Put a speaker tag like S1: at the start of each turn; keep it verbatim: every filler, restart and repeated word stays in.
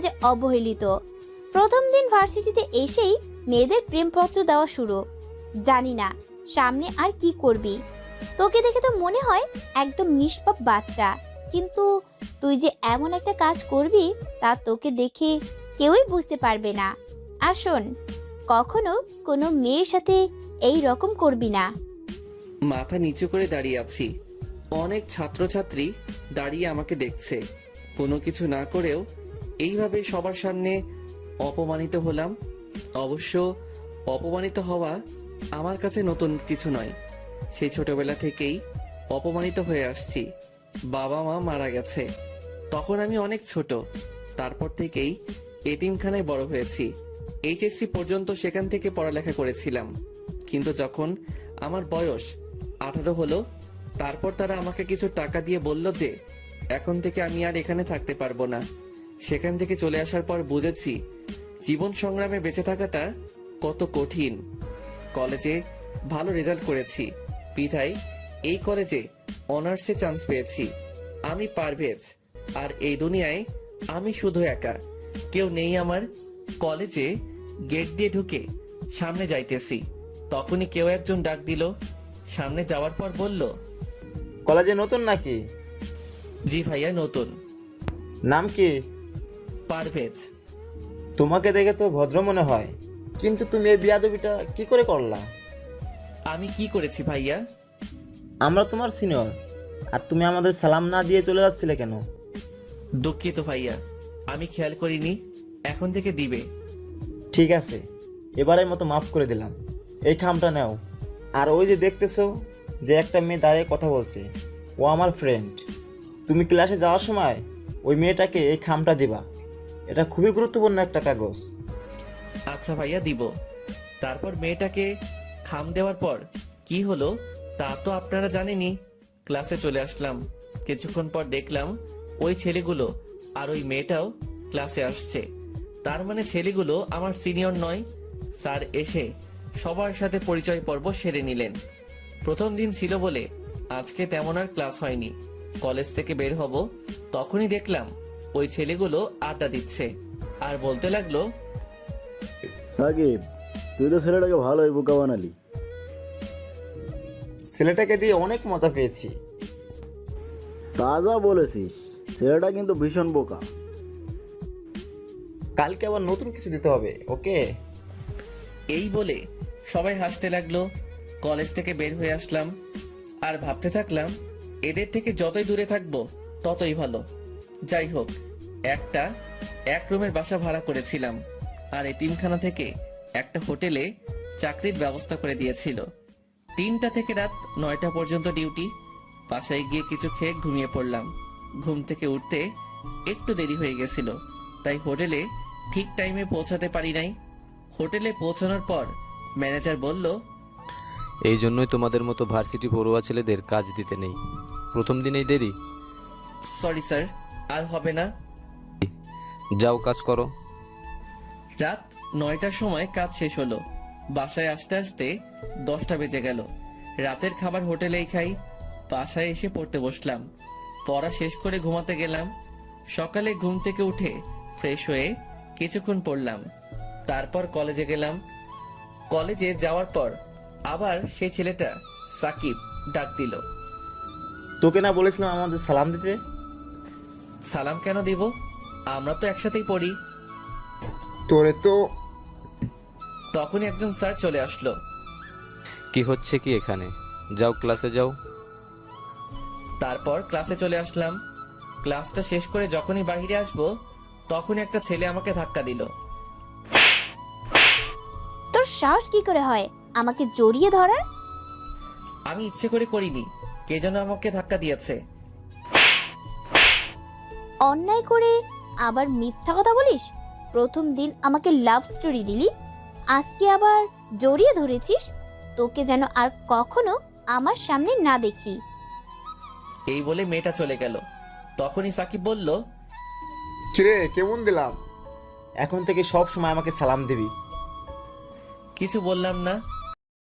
S1: যে অবহেলিত। প্রথম দিন ভার্সিটিতে এসেই মেয়েদের প্রেমপত্র দেওয়া শুরু। জানি না সামনে আর কি করবি, তোকে দেখে তো মনে হয় একদম নিষ্পাপ বাচ্চা, কিন্তু তুই যে এমন একটা কাজ করবি তা তোকে দেখে কেউই বুঝতে পারবে না। আর শোন, কখনো কোনো মেয়ের সাথে এই রকম করবি না।
S2: মাথা নিচু করে দাঁড়িয়ে আছি। অনেক ছাত্রছাত্রী দাঁড়িয়ে আমাকে দেখছে। কোনো কিছু না করেও এইভাবে সবার সামনে অপমানিত হলাম। অবশ্য অপমানিত হওয়া আমার কাছে নতুন কিছু নয়। সেই ছোটবেলা থেকেই অপমানিত হয়ে আসছি। বাবা মা মারা গেছে তখন আমি অনেক ছোট। তারপর থেকেই এতিমখানায় বড় হয়েছি। এইচএসসি পর্যন্ত সেখান থেকে পড়ালেখা করেছিলাম। কিন্তু যখন আমার বয়স আঠারো হলো, তারপর তারা আমাকে কিছু টাকা দিয়ে বলল যে এখন থেকে আমি আর এখানে থাকতে পারবো না। সেখান থেকে চলে আসার পর বুঝেছি জীবন সংগ্রামে বেঁচে থাকাটা কত কঠিন। কলেজে ভালো রেজাল্ট করেছি বিধায় এই কলেজে অনার্সে চান্স পেয়েছি। আমি পারভেজ, আর এই দুনিয়ায় আমি শুধু একা, কেউ নেই আমার। কলেজে গেট দিয়ে ঢুকে সামনে যাইতেছি, তখনই কেউ একজন ডাক দিল। সামনে যাওয়ার পর বলল,
S3: কলেজে নতুন নাকি?
S2: জি ভাইয়া নতুন।
S3: নাম কি?
S2: পারভেজ।
S3: তোমাকে দেখে তো ভদ্র মনে হয়, কিন্তু তুমি এই বিয়াদবিটা কি করে করলা?
S2: আমি কি করেছি ভাইয়া?
S3: আমরা তোমার সিনিয়র, আর তুমি আমাদের সালাম না দিয়ে চলে যাচ্ছিলে কেন?
S2: দুঃখিত ভাইয়া, আমি খেয়াল করিনি। এখন থেকে দিবে।
S3: ঠিক আছে, এবারের মতো মাফ করে দিলাম। এই খামটা নাও। আর ওই যে দেখতেছো যে একটা মেয়ে দাঁড়িয়ে কথা বলছে, ও আমার ফ্রেন্ড। তুমি ক্লাসে যাওয়ার সময় ওই মেয়েটাকে এই খামটা দিবা। এটা খুবই গুরুত্বপূর্ণ একটা কাগজ।
S2: আচ্ছা ভাইয়া দিব। তারপর মেয়েটাকে খাম দেওয়ার পর কি হলো তা তো আপনারা জানেনই। ক্লাসে চলে আসলাম। কিছুক্ষণ পর দেখলাম ওই ছেলেগুলো আর ওই মেয়েটাও ক্লাসে আসছে। তার মানে ছেলেগুলো আমার সিনিয়র নয়। স্যার এসে সবার সাথে পরিচয় পর্ব সেরে নিলেন। প্রথম দিন ছিল বলে আজকে তেমন আর ক্লাস হয়নি। কলেজ থেকে বের হব তখনই দেখলাম ওই ছেলেগুলো আড্ডা দিচ্ছে আর বলতে লাগলো,
S4: সাকিব, তুই তো ছেলেটাকে ভালোই বোকা বানালি।
S3: ছেলেটাকে দিয়ে অনেক মজা পেয়েছি।
S4: তাজা বলেছিস, ছেলেটা কিন্তু ভীষণ বোকা।
S3: কালকে আবার নতুন কিছু দিতে হবে, ওকে?
S2: এই বলে সবাই হাসতে লাগলো। কলেজ থেকে বের হয়ে আসলাম আর ভাবতে থাকলাম এদের থেকে যতই দূরে থাকবো ততই ভালো। যাই হোক, একটা এক রুমের বাসা ভাড়া করেছিলাম আর এতিমখানা থেকে একটা হোটেলে চাকরির ব্যবস্থা করে দিয়েছিল। তিনটা থেকে রাত নয়টা পর্যন্ত ডিউটি। বাসায় গিয়ে কিছু খেয়ে ঘুমিয়ে পড়লাম। ঘুম থেকে উঠতে একটু দেরি হয়ে গেছিল, তাই হোটেলে ঠিক টাইমে পৌঁছাতে পারি নাই। হোটেলে পৌঁছানোর পর ম্যানেজার বলল,
S5: এই জন্যই তোমাদের মতো ভার্সিটি পড়ুয়া ছেলেদের কাজ দিতে নেই। প্রথম দিনেই দেরি।
S2: সরি স্যার, আর হবে না।
S5: যাও কাজ করো।
S2: রাত নয়টার সময় কাজ শেষ হলো। বাসায় আসতে আসতে দশটা বেজে গেল। রাতের খাবার হোটেলেই খাই। বাসায় এসে পড়তে বসলাম। পড়া শেষ করে ঘুমাতে গেলাম। সকালে ঘুম থেকে উঠে ফ্রেশ হয়ে কিছুক্ষণ পড়লাম। তারপর কলেজে গেলাম। কলেজে যাওয়ার পর আবার সেই ছেলেটা সাকিব ডাক দিল।
S3: তোকে না বলেছিলাম আমাদের সালাম দিতে?
S2: সালাম কেন দিব? আমরা তো একসাথেই পড়ি।
S3: তোরে তো।
S2: তখনই একজন স্যার চলে আসলো।
S5: কি হচ্ছে কি এখানে? যাও ক্লাসে যাও।
S2: তারপর ক্লাসে চলে আসলাম। ক্লাসটা শেষ করে যখনই বাইরে আসবো তখনই একটা ছেলে আমাকে ধাক্কা দিল।
S1: তোর সাহস কি করে হয় আমাকে জড়িয়ে ধরার?
S2: আমি ইচ্ছে করে করিনি, কে যেন আমাকে ধাক্কা দিয়েছে।
S1: অন্যায় করে আবার মিথ্যা কথা বলিস? প্রথম দিন আমাকে লাভ স্টোরি দিলি, আজকে আবার জড়িয়ে ধরেছিস। তোকে যেন আর কখনো আমার সামনে না দেখি।
S2: এই বলে মেয়েটা চলে গেল। তখনই সাকিব বলল,
S3: কিরে, কেমন দিলাম? এখন থেকে সব সময় আমাকে সালাম দিবি।
S2: কিছু বললাম না।